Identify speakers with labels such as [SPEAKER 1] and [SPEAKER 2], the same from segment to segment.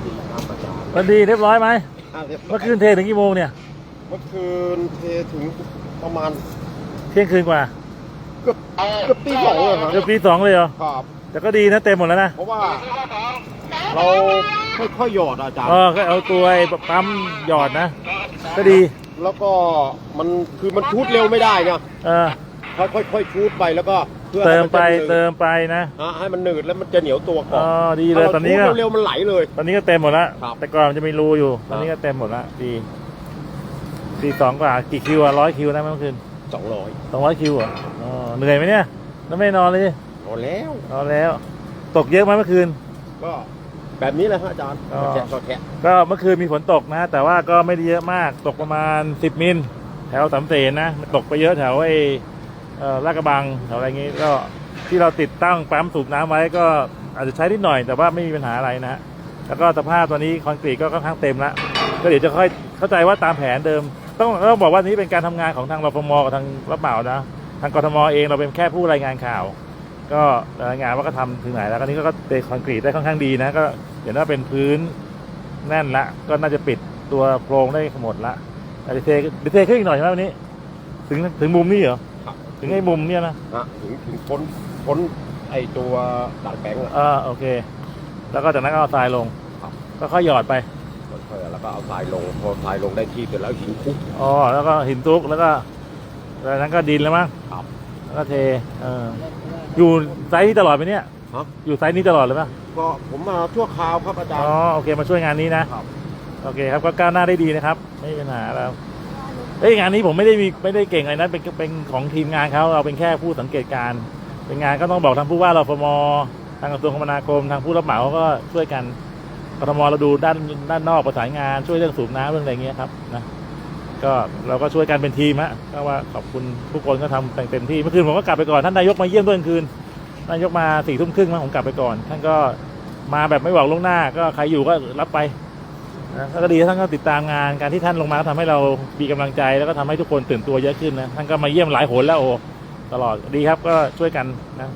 [SPEAKER 1] ดีครับอาจารย์
[SPEAKER 2] วันดีเรียบร้อยไหม
[SPEAKER 1] เรียบร้อย
[SPEAKER 2] เมื่อคืนเทถึงกี่โมงเนี่ย
[SPEAKER 1] เมื่อคืนเทถึงประมาณ
[SPEAKER 2] เที่ยงคืนกว่า
[SPEAKER 1] เกือบตีสองเลยครับ
[SPEAKER 2] เกือบตีสองเลยเหรอ
[SPEAKER 1] ครับ
[SPEAKER 2] แต่ก็ดีนะเต็มหมดแล้วนะ
[SPEAKER 1] เพราะว่าเราค่อยๆหยอดอาจารย์
[SPEAKER 2] ก็เอาตัวไอ้ปั๊มหยอดนะก็ดี
[SPEAKER 1] แล้วก็มันคือมันชูดเร็วไม่ได้ไง
[SPEAKER 2] เออ
[SPEAKER 1] ค่อยๆชูดไปแล้วก็เพื่อ
[SPEAKER 2] เติ
[SPEAKER 1] ให้
[SPEAKER 2] ม
[SPEAKER 1] มัน
[SPEAKER 2] ไป
[SPEAKER 1] จะหนืด
[SPEAKER 2] เติมไปนะ
[SPEAKER 1] ให้มันหนืดแล้วมันจะเหนียวตัวก่อน
[SPEAKER 2] ดีเลยตอนนี้ก็
[SPEAKER 1] ถ้าเราชูดเร็วๆมันไหลเลย
[SPEAKER 2] ตอนนี้ก็เต็มหมดแล้ว
[SPEAKER 1] ครับ
[SPEAKER 2] แต่ก่อนมันจะมีรูอยู่ตอนนี้ก็เต็มหมดแล้วดีตีสองกว่ากี่คิวอะ100 คิวนะเมื่อคืน
[SPEAKER 1] 200
[SPEAKER 2] 200 คิวอ่ะเหนื่อยไหมเนี่ยแล้วไม่นอนเลย
[SPEAKER 1] พอแล้ว
[SPEAKER 2] นอนแล้ว ตกเยอะไหมเมื่อคืน
[SPEAKER 1] ก็แบบนี้แหละครับอาจารย์
[SPEAKER 2] ก็
[SPEAKER 1] แกะ
[SPEAKER 2] ก็เมื่อคืนมีฝนตกนะ แต่ว่าก็ไม่ได้เยอะมากตกประมาณ10 มิลแถวสามเสนนะมันตกไปเยอะแถวไอ้ลาดกระบังแถวอะไรงี้ก็ที่เราติดตั้งปั๊มสูบน้ำไว้ก็อาจจะใช้นิดหน่อยแต่ว่าไม่มีปัญหาอะไรนะฮะแล้วก็สภาพตอนนี้คอนกรีตก็ค่อนข้างเต็มแล้วก็เดี๋ยวจะค่อยเข้าใจว่าตามแผนเดิมต้องบอกว่านี้เป็นการทำงานของทางรฟมกับทางรับเหมานะทางกทมเองเราเป็นแค่ผู้รายงานข่าว ก็รายงานว่าก็ทำถึงไหนแล้วก็นี้ก็เทคอนกรีตได้ค่อนข้างดีนะก็เห็นว่าเป็นพื้นแน่นละก็น่าจะปิดตัวโครงได้หมดละเทขึ้นอีกหน่อยใช่ไหมวันนี้ถึงมุมนี้เหรอ
[SPEAKER 1] ครับ
[SPEAKER 2] ถึงไอ้มุมเนี่ยนะ
[SPEAKER 1] ถึงพ้นไอตัวด่านแบงค์
[SPEAKER 2] โอเคแล้วก็จากนั้นก็เอาทรายลง
[SPEAKER 1] ครับ
[SPEAKER 2] ก็ค่อยหยอดไป
[SPEAKER 1] ค่อยๆแล้วก็เอาทรายลงพอทรายลงได้ที่เสร็จแล้วหินคลุก
[SPEAKER 2] แล้วก็หินทุกแล้วก็จากนั้นก็ดินแล้วมั้ง
[SPEAKER 1] ครับ
[SPEAKER 2] แล้วก็เทอยู่ไซส์นี้ตลอดไหมเนี่ย
[SPEAKER 1] ครับ
[SPEAKER 2] อยู่ไซส์นี้ตลอดเลยป่ะ
[SPEAKER 1] ก็ผมมาชั่วคราวครับอาจารย์
[SPEAKER 2] โอเคมาช่วยงานนี้นะครับ โอเคครับก็ก้าวหน้าได้ดีนะครับไม่มีปัญหาแล้วงานนี้ผมไม่ได้เก่งอะไรนะเป็นของทีมงานเขาเราเป็นแค่ผู้สังเกตการณ์เป็นงานก็ต้องบอกทางผู้ว่ารฟมทางกระทรวงคมนาคมทางผู้รับเหมาก็ช่วยกันกทมเราดูด้านนอกประสานงานช่วยเรื่องสูบน้ำเรื่องอะไรเงี้ยครับนะก็เราก็ช่วยกันเป็นทีมฮะก็ว่าขอบคุณทุกคนก็ทำเต็มที่เมื่อคืนผมก็กลับไปก่อนท่านนายกมาเยี่ยมด้วยคืนนายกมา4 ทุ่มครึ่งผมกลับไปก่อนท่านก็มาแบบไม่บอกล่วงหน้าก็ใครอยู่ก็รับไปนะก็ดีท่านก็ติดตามงานการที่ท่านลงมาก็ทำให้เรามีกำลังใจแล้วก็ทำให้ทุกคนตื่นตัวเยอะขึ้นนะท่านก็มาเยี่ยมหลายหนแล้วตลอดดีครับก็ช่วยกันนะ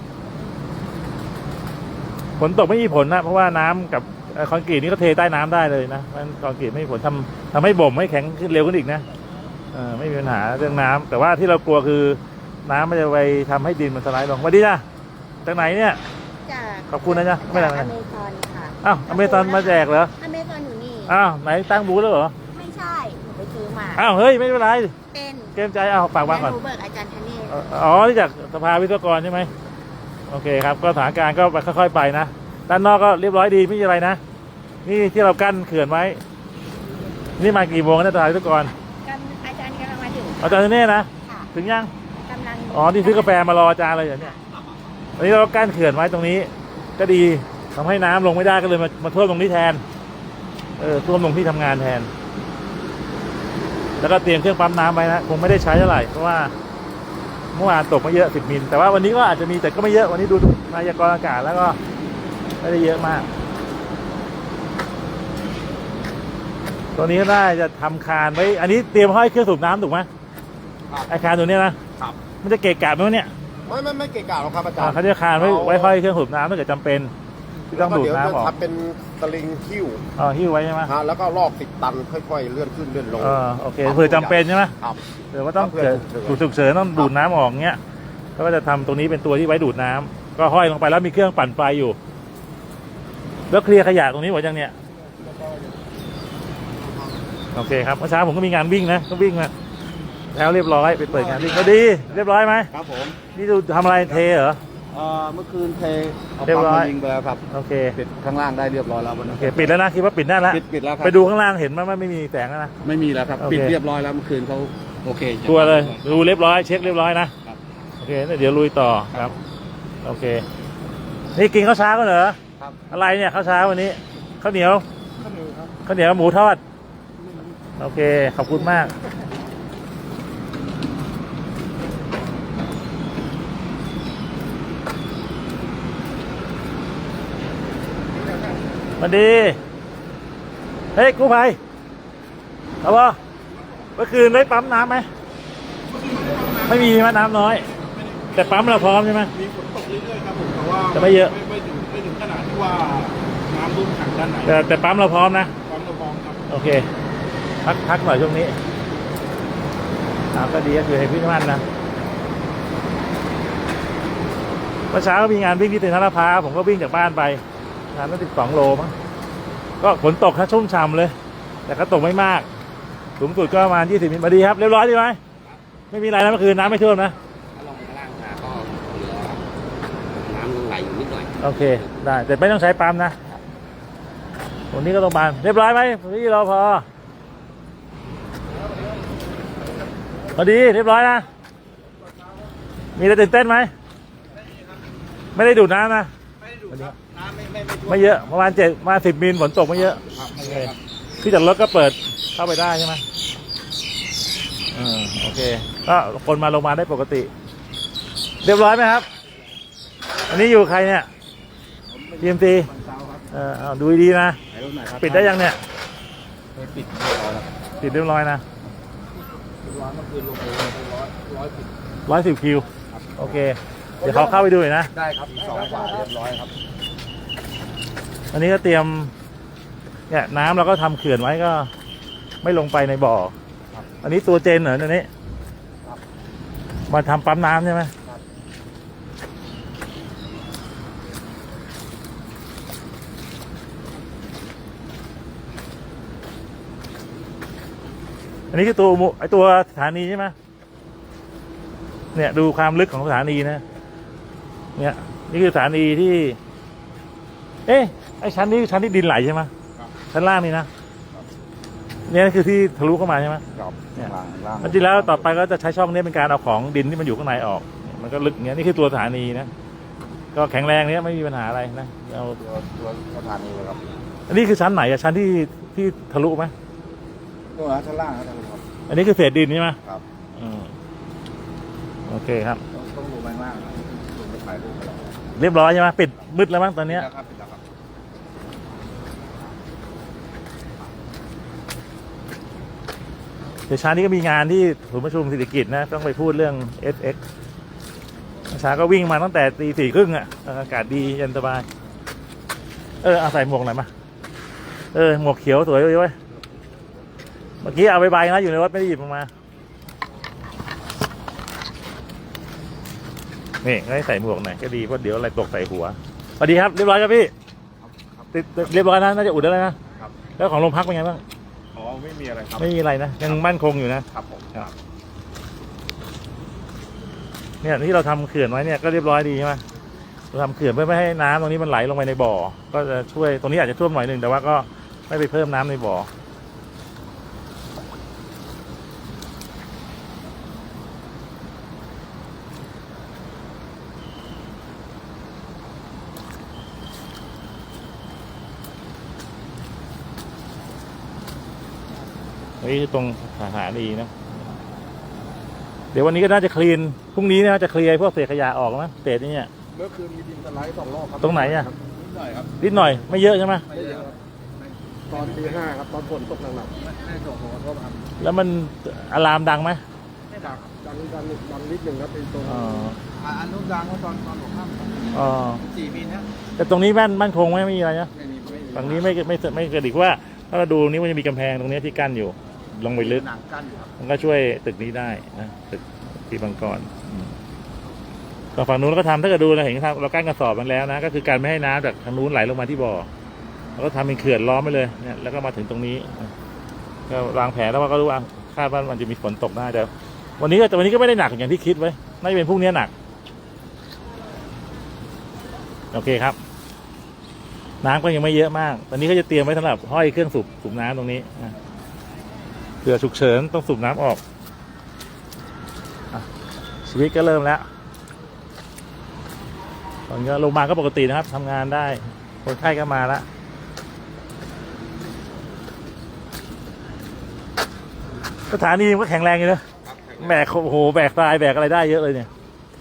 [SPEAKER 2] ฝนตกไม่มีผลนะเพราะว่าน้ำกับคอนกรีตนี่ก็เทใต้น้ำได้เลยนะมันคอนกรีตไม่มีผลทำให้บ่มให้แข็งขึ้นเร็วขึ้นอีกนะไม่มีปัญหาเรื่องน้ำแต่ว่าที่เรากลัวคือน้ำมันจะไปทำให้ดินมันสไลด์ลงสวัสดีจ้ะจากไหนเนี่ยขอบคุณนะจ๊ะไม่ได้
[SPEAKER 3] อเมซอนค่ะ
[SPEAKER 2] อเมซอนมาแจกเหรอ
[SPEAKER 3] อเมซอนอยู่นี่
[SPEAKER 2] ไหนตั้งบูธแล้วเหรอ
[SPEAKER 3] ไม่ใช่หนูไปซื้อมา
[SPEAKER 2] เฮ้ยไม่เป็นไร
[SPEAKER 3] เป็น
[SPEAKER 2] เกรงใจฝากวางก่อน
[SPEAKER 3] หนูเบิกอาจารย์ธเนศ
[SPEAKER 2] นี่จากสภาวิศวกรใช่ไหมโอเคครับก็สถานการณ์ก็ค่อยๆไปนะด้านนอกก็เรียบร้อยดีไม่มีอะไรนะนี่ที่เรากั้นเขื่อนไว้นี่มากี่โมงนะสภาวิศวกร
[SPEAKER 3] อาจารย์กำลังมาถึง
[SPEAKER 2] อาจารย์เนี่ยนะ
[SPEAKER 3] ค่ะ
[SPEAKER 2] ถึงยัง
[SPEAKER 3] กำลัง
[SPEAKER 2] ที่ซื้อกาแฟมารออาจารย์เลยอย่างเนี้ยวันนี้เรากั้นเขื่อนไว้ตรงนี้ก็ดีทำให้น้ำลงไม่ได้ก็เลยมาท่วมตรงนี้แทนท่วมตรงที่ทำงานแทนแล้วก็เตรียมเครื่องปั๊มน้ำไว้นะคงไม่ได้ใช้เท่าไหร่เพราะว่าเมื่อวานตกไม่เยอะ10 มิลแต่ว่าวันนี้ก็อาจจะมีแต่ก็ไม่เยอะวันนี้ดูพยากรณ์อากาศแล้วก็ไม่ได้เยอะมากตัวนี้ก็ได้จะทำคานไว้อันนี้เตรียมห้อยเครื่องสูบน้ำถูกไหมไอคานตัวนี้นะครับ มันจะเกะกะไหมวะเนี่ย
[SPEAKER 1] ไม่เกะกะหรอกครับอาจารย์
[SPEAKER 2] เขาจะคานไว้ห้อยเครื่องสูบน้ำถ้าเกิดจำเป็นที่ต้องดูดน้ำออก
[SPEAKER 1] ทำเป็นสลิงคิ้ว
[SPEAKER 2] หิ้วไว้ใช่ไหม
[SPEAKER 1] แล้วก็ลอก10 ตันค่อยๆเลื่อนขึ้นเลื่อนลง
[SPEAKER 2] โอเคเผื่อจำเป็นใช่ไหม
[SPEAKER 1] ครับ
[SPEAKER 2] เดี๋ยวว่าต้องเกิดฉุกเฉินต้องดูดน้ำออกเงี้ยก็จะทำตรงนี้เป็นตัวที่ไว้ดูดน้ำก็ห้อยลงไปแล้วมีเครื่องปั่นไฟอยู่แล้วเคลียร์ขยะตรงนี้หมดยังเนี่ยโอเคครับเมื่อเช้าผมก็มีงานวิ่งนะก็วิ่งมาแล้วเรียบร้อยไปเปิดงานวิ่งก็ดีเรียบร้อยไหม
[SPEAKER 1] ครับผม
[SPEAKER 2] นี่ดูทำอะไรเทเหรอ
[SPEAKER 1] เมื่อคืนเทเอา
[SPEAKER 2] เรียบ
[SPEAKER 1] ปั๊ม
[SPEAKER 2] ร้อย
[SPEAKER 1] มายิงไปแล้วครับ
[SPEAKER 2] โอเค
[SPEAKER 1] ปิดข้างล่างได้เรียบร้อยแล้ววัน
[SPEAKER 2] โอ
[SPEAKER 1] นี้
[SPEAKER 2] เคปิดแล้วนะคิดว่าปิดได้แล้ว
[SPEAKER 1] ปิดแล้วครับ
[SPEAKER 2] ไปดูข้างล่างเห็นว่าไม่มีแสงแล้วนะ
[SPEAKER 1] ไม่มีแล้วครับ
[SPEAKER 2] โอเค
[SPEAKER 1] ปิดเรียบร้อยแล้วเมื่อคืนเขาโอเค
[SPEAKER 2] ชัวร์เลยดูเรียบร้อยเช็คเรียบร้อยนะครับ โอเคเดี๋ยวลุยต่อครับโอเคนี่กินข้าวเช้าก็เหรอ
[SPEAKER 1] ครับ
[SPEAKER 2] อะไรเนี่ยข้าวเช้าวันนี้ข้าวเหนียว
[SPEAKER 1] ครับ
[SPEAKER 2] ข้าวเหนียวหมูทอดโอเคขอบคุณมากสวัสดีเฮ้ยกู้ภัยเอาบ่เมื่อคืนได้ปั๊มน้ำไหมไม่มีใช่ไหมน้ำน้อยแต่ปั๊มเราพร้อมใช่ไหม
[SPEAKER 4] มีฝนตกเรื่อยๆครับผมแต่ว่า
[SPEAKER 2] แต่ไม่เยอะ
[SPEAKER 4] ไม่ถึงขนาดที่ว่าน้
[SPEAKER 1] น้ำรุ่นถังด้านไหน
[SPEAKER 2] แต่ปั๊มเราพร้อมนะ
[SPEAKER 1] ความระบองครับ
[SPEAKER 2] โอเคพักหน่อยช่วงนี้ก็ดีก็คือให้พี่มั่นนะเมื่อเช้าก็มีงานวิ่งที่เต็นท์ลาดพร้าวผมก็วิ่งจากบ้านไปงานตั้ง12 โลมั้งก็ฝนตกครับชุ่มฉ่ำเลย แต่ก็ตกไม่มากสูงสุดก็ประมาณ20 มิลมาดีครับเรียบร้อยดีไหมไม่มีอะไรนะเมื่อคืนน้ำไม่ท่วมนะ
[SPEAKER 4] ถ้าลงข้างล่างมาก็เหลือน้ำไหลอยู่นิดหน่อย
[SPEAKER 2] โอเคได้แต่ไม่ต้องใช้ปั๊มนะตรงนี้ก็ต้องบานเรียบร้อยไหมพี่รอพอดีเรียบร้อยนะมีอะไรตื่นเต้นไหมไม่ได้ดูดน้ำนะ
[SPEAKER 4] ไม่ได้ดูครับน้ำไม่ท่วม
[SPEAKER 2] ไม่เยอะประมาณ10 มิลฝนตกไม่เยอะ
[SPEAKER 4] ครับไม่เยอะครับ
[SPEAKER 2] ที่จอดรถก็เปิดเข้าไปได้ใช่ไหมโอเคก็คนมาลงมาได้ปกติ เรียบร้อยไหมครับอันนี้อยู่ใครเนี่ย TMC เอาดูดีๆนะ
[SPEAKER 4] ไหนรุ่นไหนครับ
[SPEAKER 2] ปิดได้ยังเนี่ย
[SPEAKER 4] ปิดเรียบร้อยแล้ว
[SPEAKER 2] ปิดเรียบร้อยนะ
[SPEAKER 4] ร้อนเมื่อคืนลงไป110
[SPEAKER 2] 110 คิวโอเคเดี๋ยวเขาเข้าไปดูหน่อยนะ
[SPEAKER 4] ได้ครับ2 กว่าเรียบร้อยครับ
[SPEAKER 2] อันนี้ก็เตรียมเนี่ยน้ำเราก็ทำเขื่อนไว้ก็ไม่ลงไปในบ่ออันนี้ตัวเจนเหรอตัวนี้มาทำปั๊มน้ำใช่ไหมอันนี้คือตัวสถานีใช่ไหมเนี่ยดูความลึกของสถานีนะเนี่ยนี่คือสถานีที่ไอ้ชั้นนี้ชั้นที่ดินไหลใช่ไหมชั้นล่างนี่นะเนี่ยคือที่ทะลุเข้ามาใช่ไหม
[SPEAKER 4] ครับล่าง
[SPEAKER 2] จริงแล้วต่อไปก็จะใช้ช่องนี้เป็นการเอาของดินที่มันอยู่ข้างในออกมันก็ลึกอย่างเงี้ยนี่คือตัวสถานีนะก็แข็งแรงเนี้ยไม่มีปัญหาอะไรนะเอา
[SPEAKER 4] ตัวสถานีเลยครับ
[SPEAKER 2] อันนี้คือชั้นไหนอะชั้นที่ทะลุไหม
[SPEAKER 4] ตัวชั้นล่างครับ
[SPEAKER 2] อันนี้คือเศษดินใช่ไหม
[SPEAKER 4] ครับ
[SPEAKER 2] โอเคครับ
[SPEAKER 4] ต้องลงไปข้างล่างนะลงไปถ่ายรูปไปแล้ว
[SPEAKER 2] เรียบร้อยใช่ไหมปิดมืดแล้วมั้งตอนเนี้ย
[SPEAKER 4] ครับปิดแล้วครับ
[SPEAKER 2] เดี๋ยวเช้านี้ก็มีงานที่ศูนย์ประชุมเศรษฐกิจนะต้องไปพูดเรื่อง SX เช้าก็วิ่งมาตั้งแต่ตี 4:30อ่ะอากาศดีเย็นสบายเอาใส่หมวกหน่อยมาหมวกเขียวสวยเลยเว้ยเมื่อกี้เอาใบๆนะอยู่ในรถไม่ได้หยิบออกมานี่ให้ใส่หมวกหน่อยก็ดีเพราะเดี๋ยวอะไรตกใส่หัวสวัสดีครับเรียบร้อยครับพี่ติดเรียบร้อยนะน่าจะอุดได้แล้วนะแล้วของโรงพักเป็นไงบ้าง
[SPEAKER 1] อ๋อไม่มีอะไรครับ
[SPEAKER 2] ไม่มีอะไรนะยังมั่นคงอยู่นะครับ
[SPEAKER 1] ผม
[SPEAKER 2] เนี่ยที่เราทำเขื่อนไว้เนี่ยก็เรียบร้อยดีใช่ไหมเราทำเขื่อนเพื่อไม่ให้น้ำตรงนี้มันไหลลงไปในบ่อก็จะช่วยตรงนี้อาจจะท่วมหน่อยหนึ่งแต่ว่าก็ไม่ไปเพิ่มน้ำในบ่อนี่ตรงสถานีนะเดี๋ยววันนี้ก็น่าจะคลีนพรุ่งนี้น่าจะเคลียร์พวกเศษขยะออกมั้งเศษนี่เนี่ย
[SPEAKER 1] เมื่อคืนมีดินสไลด์2 รอบครับ
[SPEAKER 2] ตรงไหนอ่ะ
[SPEAKER 1] นิดหน่อยครับ
[SPEAKER 2] นิดหน่อยไม่เยอะใช่ไหม
[SPEAKER 1] ไม่เยอะครับตอนตี 5ครับตอนฝนตกหนักๆไม่ตกหัวก็ท
[SPEAKER 2] แล้วมันอะลามดังไหม
[SPEAKER 1] ำดังนิดหนึ่งครับเป็นตรง
[SPEAKER 2] อ๋อ
[SPEAKER 4] อันนู้นดังว่าตอนหัวค่ำ
[SPEAKER 2] อ๋อ
[SPEAKER 4] 4 มิลนะ
[SPEAKER 2] แต่ตรงนี้มั่นคงไหมไม่มีอะไรนะ
[SPEAKER 4] ไม่มี
[SPEAKER 2] ฝั่งนี้ไม่กระดิกว่าถ้าเราดูนี้มันจะมีกำแพงตรงนี้ที่กั้นอยู่ลงไปลึก
[SPEAKER 4] หนังกั้นอยู่ครับ
[SPEAKER 2] มันก็ช่วยตึกนี้ได้นะตึกที่บางกรก็ฝั่งนู้นก็ทำถ้าเกิดดูเราเห็นครับเรากั้นกระสอบมันแล้วนะก็คือการไม่ให้น้ำจากทางนู้นไหลลงมาที่บ่อเราก็ทำเป็นเขื่อนล้อมไปเลยเนี่ยแล้วก็มาถึงตรงนี้ก็วางแผนแล้วว่าก็รู้ว่าคาดว่ามันจะมีฝนตกได้แต่วันนี้ก็ไม่ได้หนักอย่างที่คิดไว้น่าจะเป็นพรุ่งนี้หนักโอเคครับน้ำก็ยังไม่เยอะมากตอนนี้ก็จะเตรียมไว้สำหรับห้อยเครื่องสูบน้ำตรงนี้เผื่อฉุกเฉินต้องสูบน้ำออกชีวิตก็เริ่มแล้วตอนนี้โรงพยาบาลก็ปกตินะครับทำงานได้คนไข้ก็มาแล้วสถานีมันก็แข็งแรงอยู่นะแบกโอ้โหแบกทรายแบกอะไรได้เยอะเลยเนี่ย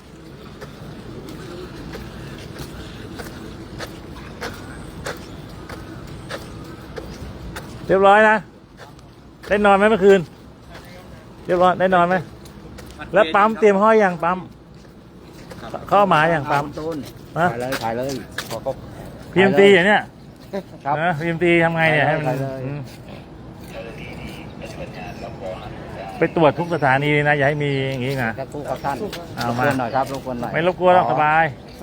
[SPEAKER 2] เรียบร้อยนะได้นอนไหมเมื่อคืนเรียบร้อยได้นอนไหมแล้วปั๊มเตรียมห้อยอย่างปั๊มเข้ามาอย่างปั๊ม
[SPEAKER 4] ต้น
[SPEAKER 2] ฮะ
[SPEAKER 4] ถ่ายเลยพอเขา
[SPEAKER 2] PMT อย่างเนี้ย
[SPEAKER 1] ครับ
[SPEAKER 2] นะ PMT ทำไงเนี่ยให้มัน
[SPEAKER 1] ไปเลย
[SPEAKER 2] อืมไปตรวจทุกสถานีเลยนะอย่าให้มีอย่างนี้นะ
[SPEAKER 1] ครับทุกท่าน
[SPEAKER 2] เอา
[SPEAKER 1] รบ
[SPEAKER 2] มา
[SPEAKER 1] กวนหน่อยครับรบกวนหน่อย
[SPEAKER 2] ไม่รบกวนหรอกสบาย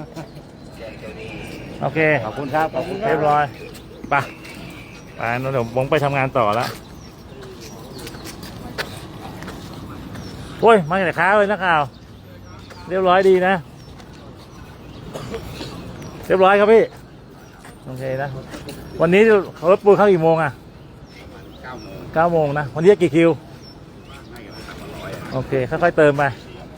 [SPEAKER 2] โอเค
[SPEAKER 1] ขอบคุณครับขอบคุณค
[SPEAKER 2] เรียบร้อยไปไปเดี๋ยวผมไปทำงานต่อแล้วโอ้ยมาแต่ค้าเลยนักข่าวเรียบร้อยดีนะ เรียบร้อยครับพี่โอเคนะวันนี้รถปูนเข้ากี่โมงอ่ะ
[SPEAKER 4] 9 โมง
[SPEAKER 2] 9 โมงนะวันนี้กี่คิวโอเคค่อยๆเติมไป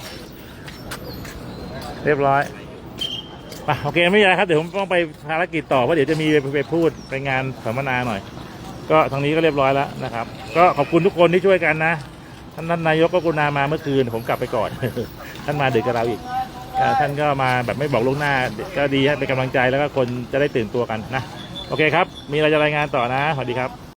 [SPEAKER 2] เรียบร้อยไปโอเคไม่มีอะไรครับเดี๋ยวผมต้องไปภารกิจต่อเพราะเดี๋ยวจะมีไปพูดไปงานสัมมนาหน่อย ก็ทางนี้ก็เรียบร้อยแล้วนะครับ ก็ขอบคุณทุกคนที่ช่วยกันนะท่านนายกก็กรุณามาเมื่อคืนผมกลับไปก่อน ท่านมาดึกกับเราอีกท่านก็มาแบบไม่บอกล่วงหน้าก็ดีให้เป็นกำลังใจแล้วก็คนจะได้ตื่นตัวกันนะโอเคครับมีอะไรจะรายงานต่อนะสวัสดีครับ